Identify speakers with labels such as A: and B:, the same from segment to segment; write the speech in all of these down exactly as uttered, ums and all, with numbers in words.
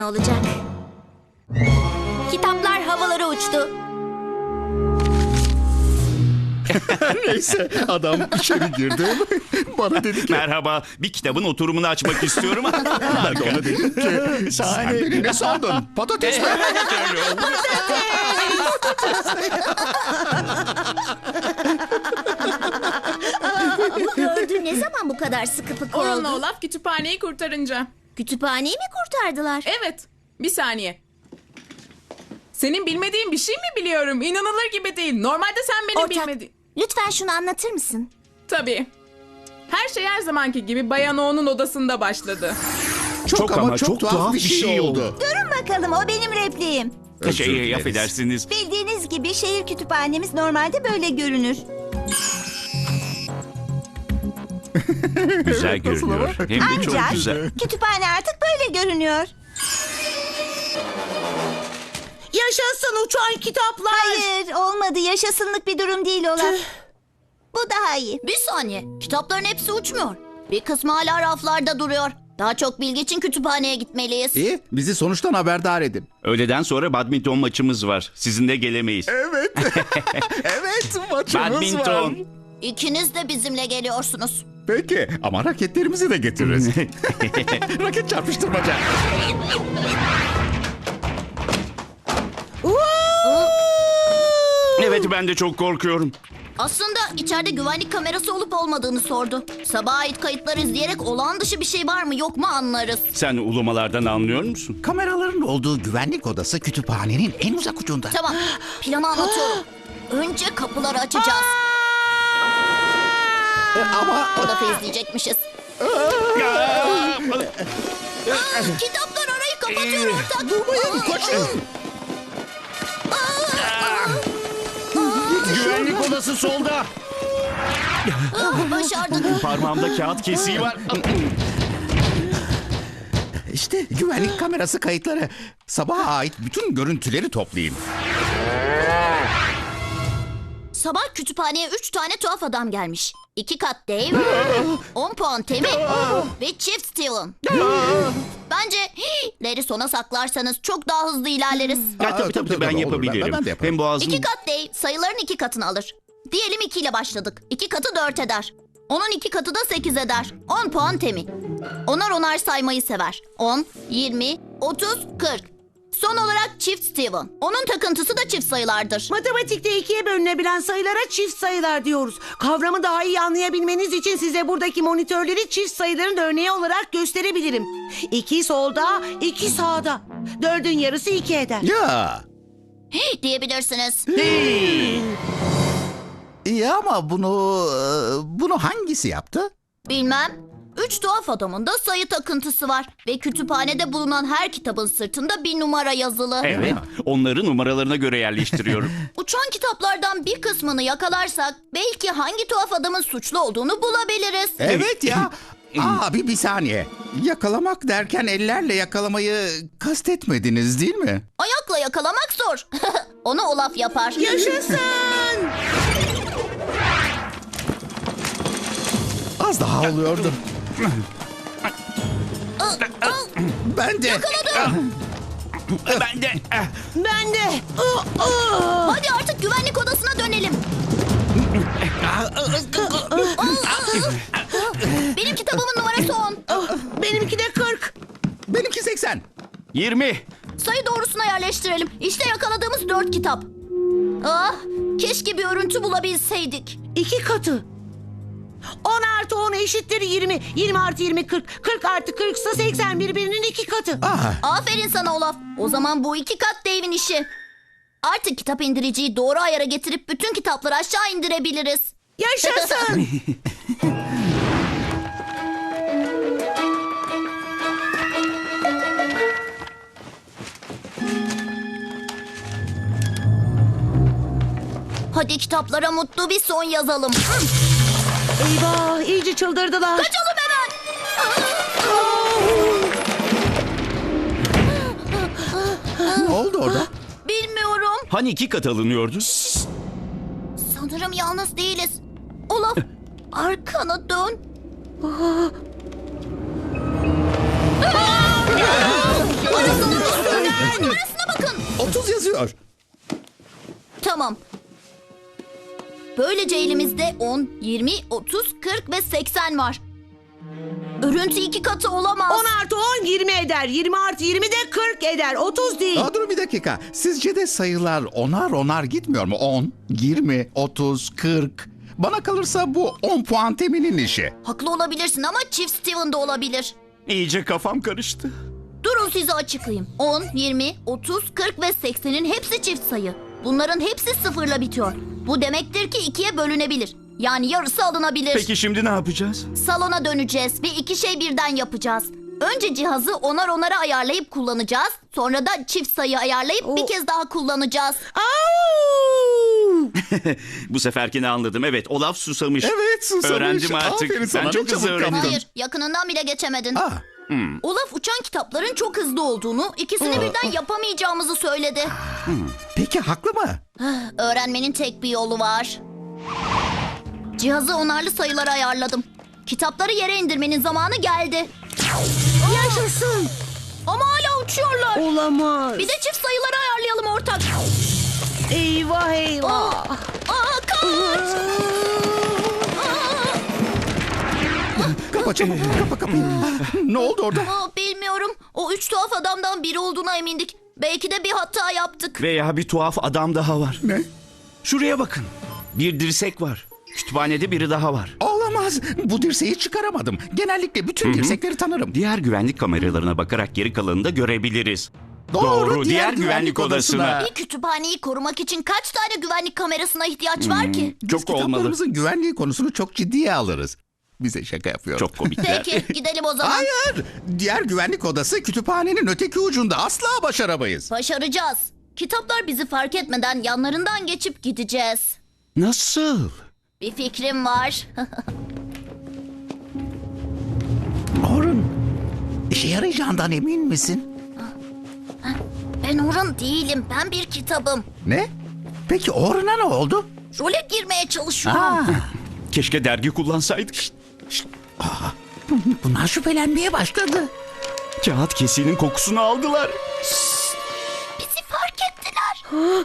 A: olacak. Kitaplar havalara uçtu.
B: Neyse adam içeri girdi. Bana dedi ki
C: Merhaba, bir kitabın oturumunu açmak istiyorum.
B: ben de ona dedim ki sen beni ne sandın? Patates mi?
A: Gördün ne zaman bu kadar sıkı fıkı
D: Oral'la
A: oldu?
D: Olaf kütüphaneyi kurtarınca.
A: Kütüphaneyi mi kurtardılar?
D: Evet, bir saniye. Senin bilmediğin bir şey mi biliyorum? İnanılır gibi değil. Normalde sen benim
A: Ortak,
D: bilmediğim...
A: lütfen şunu anlatır mısın?
D: Tabii. Her şey her zamanki gibi Bayan O'nun odasında başladı.
B: Çok ama çok tuhaf bir şey oldu.
E: Durun bakalım, o benim repliğim.
B: Özür
C: Şey,
B: dileriz.
C: affedersiniz.
E: Bildiğiniz gibi şehir kütüphanemiz normalde böyle görünür.
C: Güzel
B: Evet, nasıl
C: görünüyor.
B: ama?
C: Hem de çok
E: Ancak
C: güzel.
E: kütüphane artık böyle görünüyor.
F: Yaşasın uçan kitaplar.
E: Hayır, olmadı. Yaşasınlık bir durum değil Olaf. Bu daha iyi.
A: Bir saniye. Kitapların hepsi uçmuyor. Bir kısmı hala raflarda duruyor. Daha çok bilgi için kütüphaneye gitmeliyiz.
G: İyi, bizi sonuçtan haberdar edin.
C: Öğleden sonra badminton maçımız var. Sizin de gelemeyiz.
B: Evet. evet maçımız var.
C: Badminton.
A: İkiniz de bizimle geliyorsunuz.
B: Peki ama raketlerimizi de getiririz. Raket çarpıştırmaca.
C: Evet, ben de çok korkuyorum.
A: Aslında içeride güvenlik kamerası olup olmadığını sordu. Sabaha ait kayıtları izleyerek olağan dışı bir şey var mı yok mu anlarız.
C: Sen ulumalardan anlıyor musun?
G: Kameraların olduğu güvenlik odası kütüphanenin en uzak ucunda.
A: Tamam, planı anlatıyorum. Önce kapıları açacağız.
G: Ama
A: Olaf'ı izleyecekmişiz. Kitaplar arayı kapatıyor ortak. Durmayın, koşun.
C: Güvenlik odası solda.
A: Başardık.
C: Parmağımda kağıt kesiği var.
G: işte güvenlik kamerası kayıtları. Sabaha ait bütün görüntüleri toplayayım.
A: Sabah kütüphaneye üç tane tuhaf adam gelmiş. İki kat Dave, on puan Temi ve çift Steven. Bence Larry sona saklarsanız çok daha hızlı ilerleriz.
C: Ha, tabii tabii,
G: tabii,
C: ben
G: olur.
C: yapabilirim.
G: Ben- ben de yaparım.
C: Hem boğazım...
A: İki kat Dave sayıların iki katını alır. Diyelim iki ile başladık. İki katı dört eder. Onun iki katı da sekiz eder. On puan Temi. Onar onar saymayı sever. On, yirmi, otuz, kırk. Son olarak çift Steven. Onun takıntısı da çift sayılardır.
F: Matematikte ikiye bölünebilen sayılara çift sayılar diyoruz. Kavramı daha iyi anlayabilmeniz için size buradaki monitörleri çift sayıların örneği olarak gösterebilirim. İki solda, iki sağda. Dördün yarısı iki eder.
G: Ya,
A: Diyebilirsiniz.
G: iyi ama bunu e, bunu hangisi yaptı?
A: Bilmem. Üç tuhaf adamın da sayı takıntısı var. Ve kütüphanede bulunan her kitabın sırtında bir numara yazılı.
C: Evet, onları numaralarına göre yerleştiriyorum.
A: Uçan kitaplardan bir kısmını yakalarsak belki hangi tuhaf adamın suçlu olduğunu bulabiliriz.
G: Evet ya. Abi bir saniye. Yakalamak derken ellerle yakalamayı kastetmediniz değil mi?
A: Ayakla yakalamak zor. Onu Olaf yapar.
F: Yaşasın!
G: Az daha oluyordu. Ben de.
C: Ben de... eh,
F: Ben de.
A: Hadi artık güvenlik odasına dönelim. Benim kitabımın numarası on.
F: Benimki de kırk.
G: Benimki seksen.
C: yirmi.
A: Sayı doğrusuna yerleştirelim. İşte yakaladığımız dört kitap. Ah, keşke bir örüntü bulabilseydik.
F: İki katı. On artı on eşittir yirmi. Yirmi artı yirmi kırk. Kırk artı kırk ise seksen birbirinin iki katı.
G: Ah,
A: Aferin sana Olaf. O zaman bu iki kat Dave'in işi. Artık kitap indiriciyi doğru ayara getirip bütün kitapları aşağı indirebiliriz.
F: Yaşasın!
A: Hadi kitaplara mutlu bir son yazalım.
F: Eyvah, iyice çıldırdılar.
A: Kaçalım hemen.
G: ne oldu orada?
A: Bilmiyorum.
C: Hani iki kat alınıyordu?
A: Sanırım yalnız değiliz. Olaf, arkana dön. Arasana
G: yazıyor.
A: Tamam. Böylece elimizde on, yirmi, otuz, kırk ve seksen var. Örüntü iki katı olamaz.
F: on artı on yirmi eder. yirmi artı yirmi de kırk eder. otuz değil.
G: Aa, durun bir dakika. Sizce de sayılar onar onar gitmiyor mu? on, yirmi, otuz, kırk. Bana kalırsa bu on puan teminin işi.
A: Haklı olabilirsin ama çift Steven de olabilir.
C: İyice kafam karıştı.
A: Durun size açıklayayım. on, yirmi, otuz, kırk ve seksenin hepsi çift sayı. Bunların hepsi sıfırla bitiyor. Bu demektir ki ikiye bölünebilir. Yani yarısı alınabilir.
C: Peki şimdi ne yapacağız?
A: Salona döneceğiz ve iki şey birden yapacağız. Önce cihazı onar onara ayarlayıp kullanacağız. Sonra da çift sayı ayarlayıp bir kez daha kullanacağız.
F: Au!
C: Bu seferkini anladım. Evet, Olaf susamış.
G: Evet, susamış.
C: Öğrendim artık.
G: Aferin sana,
C: Ben
G: çok
C: çok hızlı
G: çabuk
C: öğrendim.
G: kaptın.
A: Hayır, yakınından bile geçemedin.
G: Aa,
A: Olaf uçan kitapların çok hızlı olduğunu, ikisini birden yapamayacağımızı söyledi.
G: peki haklı mı?
A: Öğrenmenin tek bir yolu var. Cihazı onarlı sayılara ayarladım. Kitapları yere indirmenin zamanı geldi.
F: Yaşasın.
A: Ama hala uçuyorlar.
F: Olamaz.
A: Bir de çift sayıları ayarlayalım ortak.
F: Eyvah eyvah.
A: Aa, kaç!
G: Kapa çabuk, kapa kapıyı. Ne oldu orada?
A: Aa, bilmiyorum. O üç tuhaf adamdan biri olduğuna emindik. Belki de bir hata yaptık.
C: Veya bir tuhaf adam daha var.
G: Ne?
C: Şuraya bakın. Bir dirsek var. Kütüphanede biri daha var.
G: Olamaz. Bu dirseği çıkaramadım. Genellikle bütün dirsekleri tanırım.
C: Diğer güvenlik kameralarına bakarak geri kalanını da görebiliriz.
G: Doğru,
C: diğer, güvenlik, odasına.
A: Bir kütüphaneyi korumak için kaç tane güvenlik kamerasına ihtiyaç var ki?
G: Biz
C: Çok olmalı.
G: kitaplarımızın güvenliği konusunu çok ciddiye alırız. Bize şaka yapıyor.
C: Çok komikler.
A: Peki gidelim o zaman.
G: Hayır. Diğer güvenlik odası kütüphanenin öteki ucunda. Asla başaramayız.
A: Başaracağız. Kitaplar bizi fark etmeden yanlarından geçip gideceğiz.
C: Nasıl?
A: Bir fikrim var.
G: Orun, işe yarayacağından emin misin?
A: Ben Orun değilim. Ben bir kitabım.
G: Ne? Peki Orun'a ne oldu?
A: Role girmeye çalışıyorum.
G: Aa,
C: Keşke dergi kullansaydık.
G: bunlar şüphelenmeye başladı.
C: Kağıt kesiğinin kokusunu aldılar.
A: Bizi fark ettiler.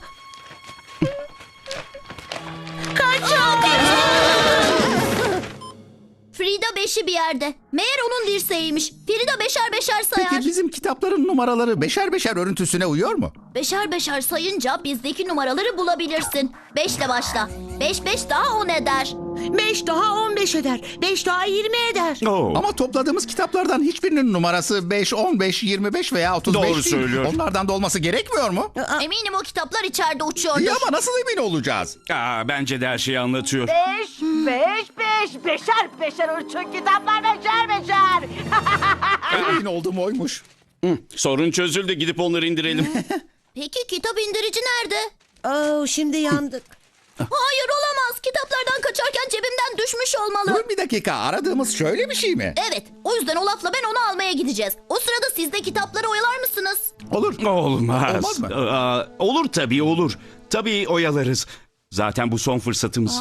A: Frida beşi bir yerde. Meğer onun dirseğiymiş. Frida beşer beşer sayar.
G: Peki bizim kitapların numaraları beşer beşer örüntüsüne uyuyor mu?
A: Beşer beşer sayınca bizdeki numaraları bulabilirsin. Beşle başla. Beş beş daha on eder.
F: beş daha on beş eder. beş daha yirmi eder.
C: Oo.
G: Ama topladığımız kitaplardan hiçbirinin numarası beş, on beş, yirmi beş veya otuz beş
C: Doğru
G: değil.
C: söylüyor.
G: Onlardan da olması gerekmiyor mu?
A: Eminim o kitaplar içeride uçuyordur.
G: İyi ama nasıl emin olacağız?
C: Aa, bence de her şeyi anlatıyor.
H: Beş, beş, beş, beşer beşer uçun kitaplar beşer beşer.
G: Emin olduğum oymuş.
C: Sorun çözüldü. Gidip onları indirelim.
A: Peki kitap indirici nerede?
F: Oo, şimdi yandık.
A: Hayır olamaz. Kitaplardan kaçarken cebimden düşmüş olmalı.
G: Dur bir dakika, aradığımız şöyle bir şey mi?
A: Evet. O yüzden Olaf'la ben onu almaya gideceğiz. O sırada siz de kitapları oyalar mısınız?
G: Olur.
C: Olmaz.
G: Olmaz mı?
C: Aa, olur tabii olur. Tabii oyalarız. Zaten bu son fırsatımız.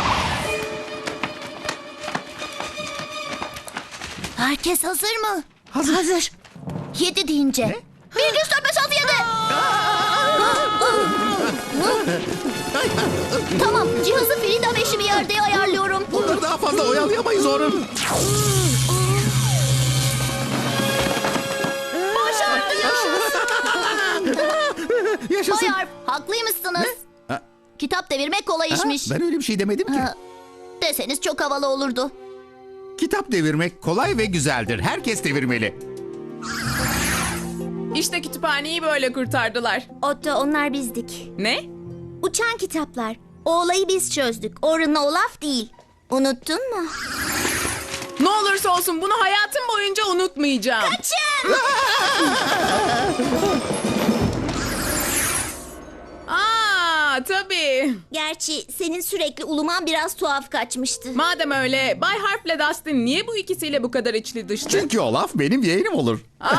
A: Herkes hazır mı?
G: Hazır.
F: Hazır.
A: Yedi deyince. Bir, iki, üç, dört, beş, altı, yedi. Tamam. Cihazı Frida beşi bir yerde ayarlıyorum.
G: Bunları daha fazla oyalayamayız Orun. Yaşasın.
A: Bayar, haklıymışsınız.
G: Ha?
A: Kitap devirmek kolay
G: Ha,
A: işmiş.
G: ben öyle bir şey demedim ki.
A: Ha, deseniz çok havalı olurdu.
G: Kitap devirmek kolay ve güzeldir. Herkes devirmeli.
D: İşte kütüphaneyi böyle kurtardılar.
E: Otto onlar bizdik.
D: Ne?
E: Uçan kitaplar. O olayı biz çözdük. Orun'la Olaf değil. Unuttun mu?
D: Ne olursa olsun bunu hayatım boyunca unutmayacağım. Aa, tabii.
E: Gerçi senin sürekli uluman biraz tuhaf kaçmıştı.
D: Madem öyle, Bay Harp'le Dustin niye bu ikisiyle bu kadar içli dışlı?
G: Çünkü o laf benim yeğenim olur.
D: Aa,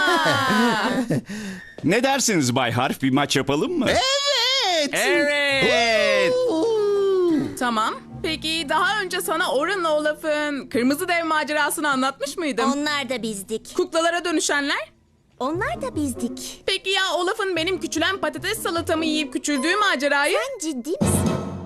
C: Ne dersiniz Bay Harf? Bir maç yapalım mı?
G: Evet.
C: Evet.
D: tamam. Peki daha önce sana Orun'la Olaf'ın kırmızı dev macerasını anlatmış mıydım?
E: Onlar da bizdik.
D: Kuklalara dönüşenler?
E: Onlar da bizdik.
D: Peki ya Olaf'ın benim küçülen patates salatamı yiyip küçüldüğü macerayı?
E: Sen ciddi misin?